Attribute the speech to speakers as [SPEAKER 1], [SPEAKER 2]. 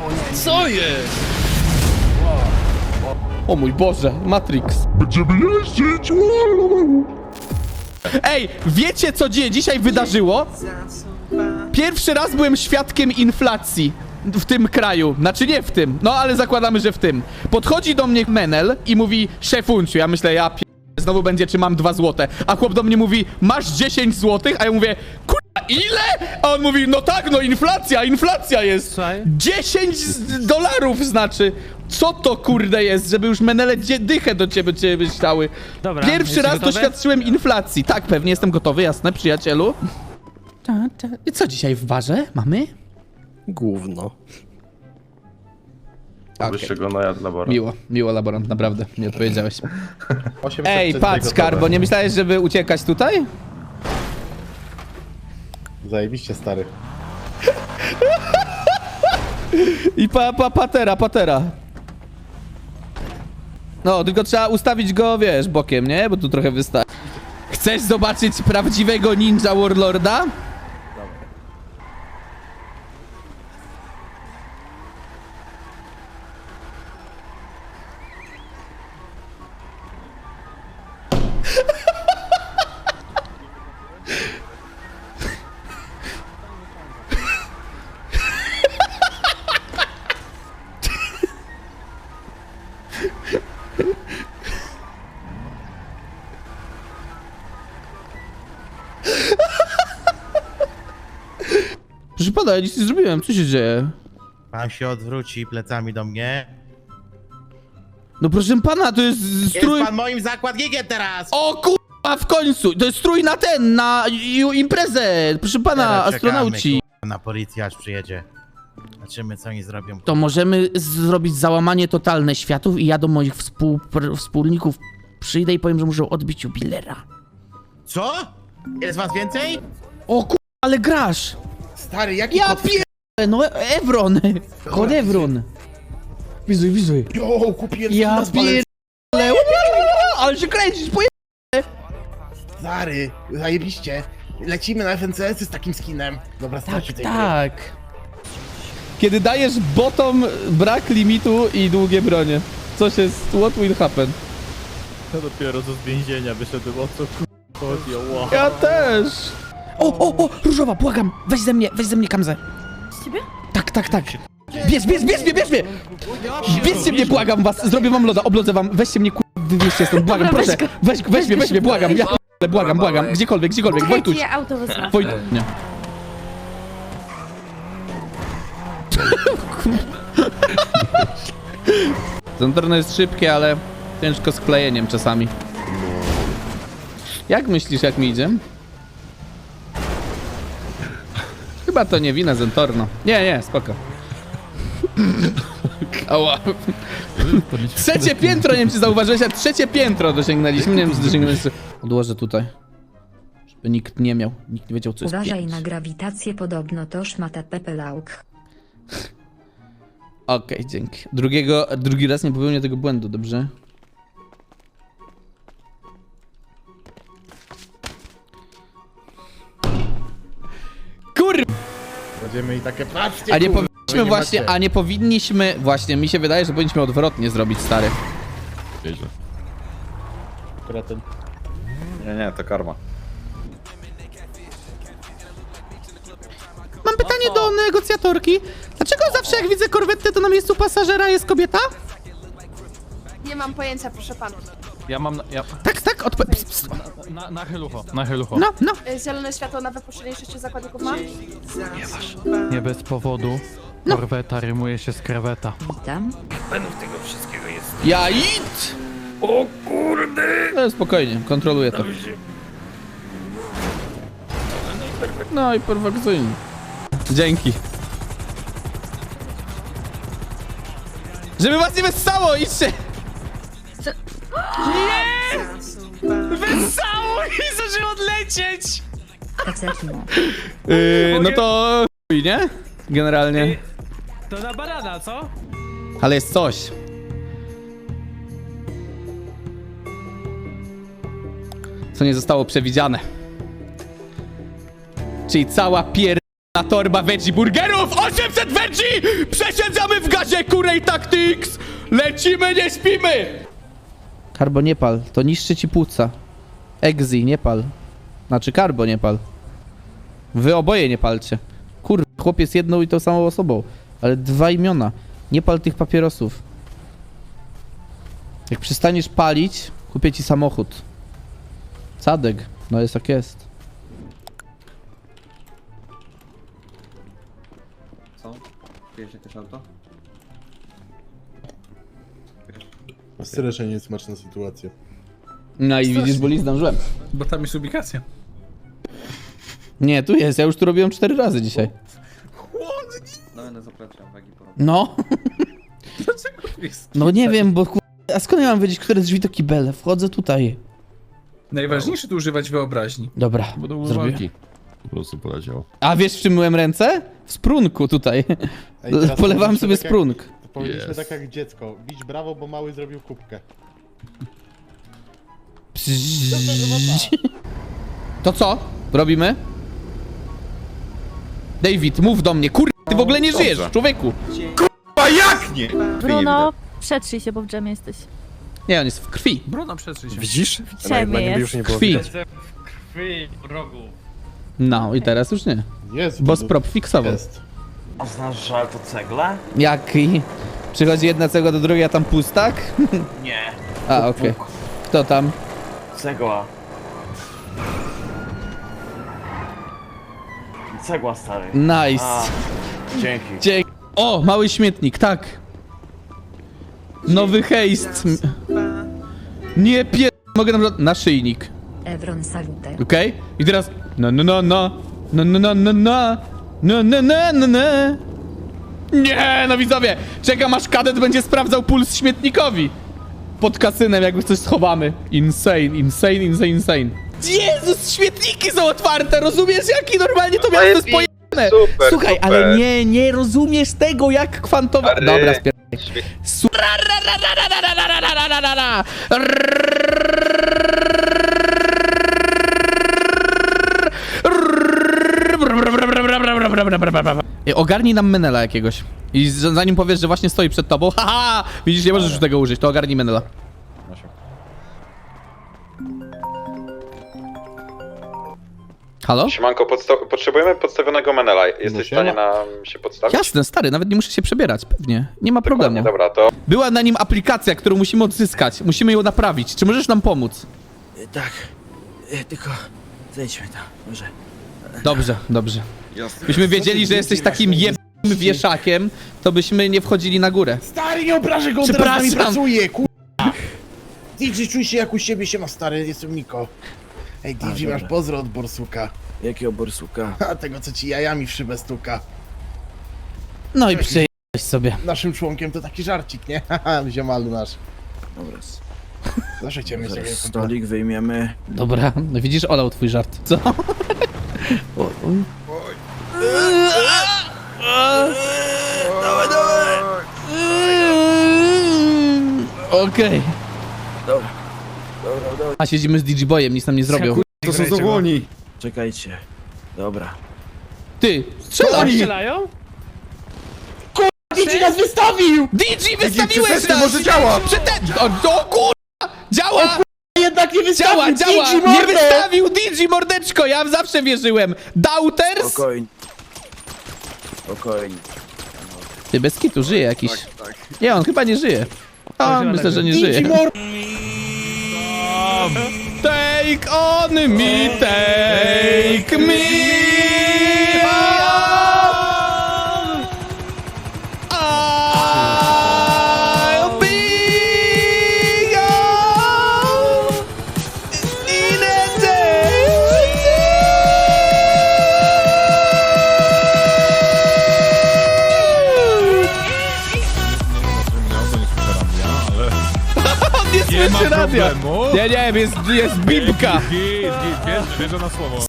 [SPEAKER 1] Co jest?
[SPEAKER 2] O mój Boże, Matrix.
[SPEAKER 3] Będziemy jeździć!
[SPEAKER 2] Ej, wiecie co dzisiaj wydarzyło? Pierwszy raz byłem świadkiem inflacji w tym kraju. Znaczy nie w tym, no ale zakładamy, że w tym. Podchodzi do mnie Menel i mówi: szefunciu, ja myślę, znowu będzie, czy mam 2 złote. A chłop do mnie mówi: masz 10 złotych? A ja mówię: kurwa, ile? A on mówi: no tak, no inflacja jest.
[SPEAKER 1] Słuchaj.
[SPEAKER 2] 10 dolarów znaczy. Co to kurde jest, żeby już Menele dychę do ciebie stały.
[SPEAKER 1] Dobra,
[SPEAKER 2] Pierwszy
[SPEAKER 1] jesteś
[SPEAKER 2] raz
[SPEAKER 1] gotowy?
[SPEAKER 2] doświadczyłem inflacji. Tak, pewnie jestem gotowy, jasne, przyjacielu. I co dzisiaj w barze mamy?
[SPEAKER 4] Gówno.
[SPEAKER 5] Wyższego najad laboratoryum.
[SPEAKER 2] Miło laborant, naprawdę, nie odpowiedziałeś.
[SPEAKER 3] 800
[SPEAKER 2] Ej, patrz, Skarbo, nie myślałeś, żeby uciekać tutaj?
[SPEAKER 3] Zajebiście, stary.
[SPEAKER 2] I patera. No, tylko trzeba ustawić go, wiesz, bokiem, nie? Bo tu trochę wystaje. Chcesz zobaczyć prawdziwego ninja warlorda? Proszę pana, ja nic nie zrobiłem, co się dzieje?
[SPEAKER 6] Pan się odwróci plecami do mnie.
[SPEAKER 2] No proszę pana, to jest strój...
[SPEAKER 6] Jest pan moim zakładnikiem teraz!
[SPEAKER 2] O kurwa, w końcu! To jest strój na imprezę! Proszę pana,
[SPEAKER 6] Teraz
[SPEAKER 2] astronauci.
[SPEAKER 6] czekamy, kurwa, na policję aż przyjedzie. Zobaczymy, co oni zrobią.
[SPEAKER 2] To możemy zrobić załamanie totalne światów i ja do moich wspólników przyjdę i powiem, że muszę odbić jubilera.
[SPEAKER 6] Co? Jest was więcej?
[SPEAKER 2] O kurwa, ale grasz!
[SPEAKER 6] Stary, jaki
[SPEAKER 2] Ja pierdolę, no Evron! Kod Evron! Wizuj.
[SPEAKER 6] Jo, kupiłem
[SPEAKER 2] Ja pierdolę! Ale się kręcisz,
[SPEAKER 6] Stary, zajebiście. Lecimy na FNCS z takim skinem. Dobra, starczy tej gry.
[SPEAKER 2] Tak. Kiedy dajesz botom brak limitu i długie bronie. Coś jest... What will happen?
[SPEAKER 4] Ja dopiero z więzienia wyszedłem, o co chodzi, wow.
[SPEAKER 2] Ja też! O! Różowa, błagam! Weź ze mnie kamzę!
[SPEAKER 7] Z ciebie?
[SPEAKER 2] Tak. Bierz mnie! Bierzcie mnie, błagam was! Zrobię wam loda, oblodzę wam, weźcie mnie, wywieźcie stąd, błagam,
[SPEAKER 7] Dobra,
[SPEAKER 2] proszę! Weź mnie, błagam, ja błagam, gdziekolwiek, Wojtuś!
[SPEAKER 7] Ja auto wezmę.
[SPEAKER 2] Nie. Zentorno jest szybkie, ale ciężko z klejeniem czasami. Jak myślisz, jak mi idzie? Chyba to nie wina Zentorno. Nie, spoko. Ała. Trzecie piętro, nie wiem czy zauważyłeś, a trzecie piętro dosięgnęliśmy. Nie wiem czy dosięgnęliśmy. Odłożę tutaj. Żeby nikt nie wiedział co jest
[SPEAKER 8] Uważaj
[SPEAKER 2] pięć.
[SPEAKER 8] na grawitację, podobno to szmata pepelauk.
[SPEAKER 2] Okej, dzięki. Drugi raz nie popełnię tego błędu, dobrze?
[SPEAKER 3] Będziemy i takie, patrzcie,
[SPEAKER 2] A nie
[SPEAKER 3] kurwa,
[SPEAKER 2] powinniśmy
[SPEAKER 3] wy
[SPEAKER 2] właśnie,
[SPEAKER 3] macie.
[SPEAKER 2] a nie powinniśmy... Właśnie, mi się wydaje, że powinniśmy odwrotnie zrobić, stary.
[SPEAKER 5] Nieźle.
[SPEAKER 3] Kretyn.
[SPEAKER 5] Nie, to karma.
[SPEAKER 2] Mam pytanie do negocjatorki. Dlaczego zawsze jak widzę korwetę, to na miejscu pasażera jest kobieta?
[SPEAKER 7] Nie mam pojęcia, proszę pana.
[SPEAKER 1] Ja mam...
[SPEAKER 2] Tak,
[SPEAKER 1] Na helucho. Na helucho.
[SPEAKER 2] No.
[SPEAKER 7] Zielone światło na wypuszczenie 6 zakładników mam?
[SPEAKER 1] Nie bez powodu. Korweta rymuje się z kreweta.
[SPEAKER 8] Witam.
[SPEAKER 2] Ja it! O kurde! No, spokojnie, kontroluję to. No i perfekcyjnie. Dzięki. Żeby was nie wessało, idźcie!
[SPEAKER 1] Wessało i zaczęło odlecieć!
[SPEAKER 8] Pecetno.
[SPEAKER 2] No to chuj, nie? Generalnie.
[SPEAKER 1] To na banana, co?
[SPEAKER 2] Ale jest coś. Co nie zostało przewidziane. Czyli cała torba veggie burgerów! 800 veggie! Przesiedzamy w razie Kurej Tactics! Lecimy, nie śpimy! Karbo, nie pal, to niszczy ci płuca. Exi, nie pal. Znaczy Karbo, nie pal. Wy oboje nie palcie. Kurwa, chłopiec jedną i tą samą osobą. Ale 2 imiona. Nie pal tych papierosów. Jak przestaniesz palić, kupię ci samochód. Sadek. No jest jak jest.
[SPEAKER 9] Co? Wiesz jakieś auto?
[SPEAKER 3] Strasznie niesmaczna sytuacja.
[SPEAKER 2] No i widzisz, bo zdążyłem.
[SPEAKER 10] Bo tam jest ubikacja.
[SPEAKER 2] Nie, tu jest. Ja już tu robiłem 4 razy dzisiaj.
[SPEAKER 9] No będę zapraszam wagi porobić.
[SPEAKER 2] No.
[SPEAKER 10] Dlaczego jest?
[SPEAKER 2] No nie wiem, bo a skąd ja mam wiedzieć, które drzwi to kibele? Wchodzę tutaj.
[SPEAKER 10] Najważniejsze tu używać wyobraźni.
[SPEAKER 2] Dobra,
[SPEAKER 5] Będą
[SPEAKER 2] zrobię.
[SPEAKER 5] walki. Po prostu poleciało.
[SPEAKER 2] A wiesz, w czym myłem ręce? W sprunku tutaj.
[SPEAKER 3] Ej, teraz
[SPEAKER 2] Polewałem
[SPEAKER 3] powinniśmy
[SPEAKER 2] sobie
[SPEAKER 3] tak jak-
[SPEAKER 2] sprunk.
[SPEAKER 3] To powinniśmy
[SPEAKER 5] Jest.
[SPEAKER 3] tak jak dziecko. Bić brawo, bo mały zrobił kubkę.
[SPEAKER 2] To co? Robimy? David, mów do mnie. Kur... Ty w ogóle nie żyjesz, człowieku.
[SPEAKER 7] Bruno, przetrzyj się, bo w dżemie jesteś.
[SPEAKER 2] Nie, on jest w krwi.
[SPEAKER 10] Bruno, przetrzyj się.
[SPEAKER 4] Widzisz?
[SPEAKER 7] W dżemie jest.
[SPEAKER 2] W krwi. No i teraz już nie.
[SPEAKER 3] Jest.
[SPEAKER 2] Bo sprop fiksował.
[SPEAKER 3] Jest.
[SPEAKER 9] A znasz, że to cegla?
[SPEAKER 2] Jaki? Przychodzi jedna cegła do drugiej, a tam pustak?
[SPEAKER 9] Nie.
[SPEAKER 2] A, okej. Kto tam?
[SPEAKER 9] Cegła. Cegła, stary.
[SPEAKER 2] Nice.
[SPEAKER 9] Dzięki.
[SPEAKER 2] Dzięki. O, mały śmietnik, tak. Nowy hejst. Nie pier... Mogę na przykład... Naszyjnik.
[SPEAKER 8] Evron Salute.
[SPEAKER 2] Okej? I teraz... No, no, no, no. No, no, no, no, no. No, no, no, no, no. Nie, no widzowie. Czekam aż kadet będzie sprawdzał puls śmietnikowi. Pod kasynem jakby coś schowamy. Insane, insane, insane, insane. Jezus, śmietniki są otwarte, rozumiesz jaki normalnie to miasto jest pojebane. Słuchaj, ale nie rozumiesz tego jak kwantowa... Dobra, spierdolę. Ogarnij nam Menela jakiegoś. I zanim powiesz, że właśnie stoi przed tobą, haha! Widzisz, nie możesz już tego użyć, to ogarnij Menela. Halo?
[SPEAKER 5] Siemanko, potrzebujemy podstawionego Menela. Jesteś w
[SPEAKER 3] siema.
[SPEAKER 5] stanie nam się podstawić?
[SPEAKER 2] Jasne, stary, nawet nie muszę się przebierać, pewnie. Nie ma problemu.
[SPEAKER 5] Dobra, to
[SPEAKER 2] Była na nim aplikacja, którą musimy odzyskać. Musimy ją naprawić. Czy możesz nam pomóc?
[SPEAKER 9] Tak. Tylko zejdźmy tam, może.
[SPEAKER 2] Dobrze, dobrze. Byśmy wiedzieli, że jesteś takim jebnym wieszakiem, to byśmy nie wchodzili na górę.
[SPEAKER 6] Stary, nie obrażę go, on teraz z nami
[SPEAKER 2] Przepraszam.
[SPEAKER 6] pracuje, kurwa! DJ, czuj się jak u siebie, siema stary, jestem Miko. Ej, DJ, masz pozdro od borsuka.
[SPEAKER 9] Jakiego borsuka?
[SPEAKER 6] A tego, co ci jajami w szybę stuka.
[SPEAKER 2] No i przyjechałeś sobie.
[SPEAKER 6] Naszym członkiem to taki żarcik, nie? Haha, ziomalu nasz.
[SPEAKER 9] Dobra,
[SPEAKER 6] Zawsze cię mieć takiego kumpla.
[SPEAKER 9] stolik wyjmiemy.
[SPEAKER 2] Dobra, no widzisz, olał twój żart. Co? Okej.
[SPEAKER 9] Dobra.
[SPEAKER 2] A siedzimy z DJ-Boyem, nic nam nie zrobią.
[SPEAKER 9] To są zawłoni. Czekajcie. Dobra.
[SPEAKER 2] Ty, strzelaj!
[SPEAKER 6] DJ nas wystawił!
[SPEAKER 2] DJ wystawiłeś nas! Może działa! O kurwa! Działa!
[SPEAKER 6] Jednak nie wystawił!
[SPEAKER 2] Działa!
[SPEAKER 6] DJ
[SPEAKER 2] Nie
[SPEAKER 6] mordę!
[SPEAKER 2] wystawił DJ mordeczko! Ja zawsze wierzyłem! Doubters?
[SPEAKER 9] Spokojnie. Spokojnie.
[SPEAKER 2] Ty, bez kitu żyje jakiś. Nie, on chyba nie żyje. A, myślę, że nie żyje.
[SPEAKER 6] DJ mordę!
[SPEAKER 2] Take on me, take me on. I'll be gone in a day. On nie słyszy radia. Nie, jest bibka.
[SPEAKER 4] Wierzę na słowo.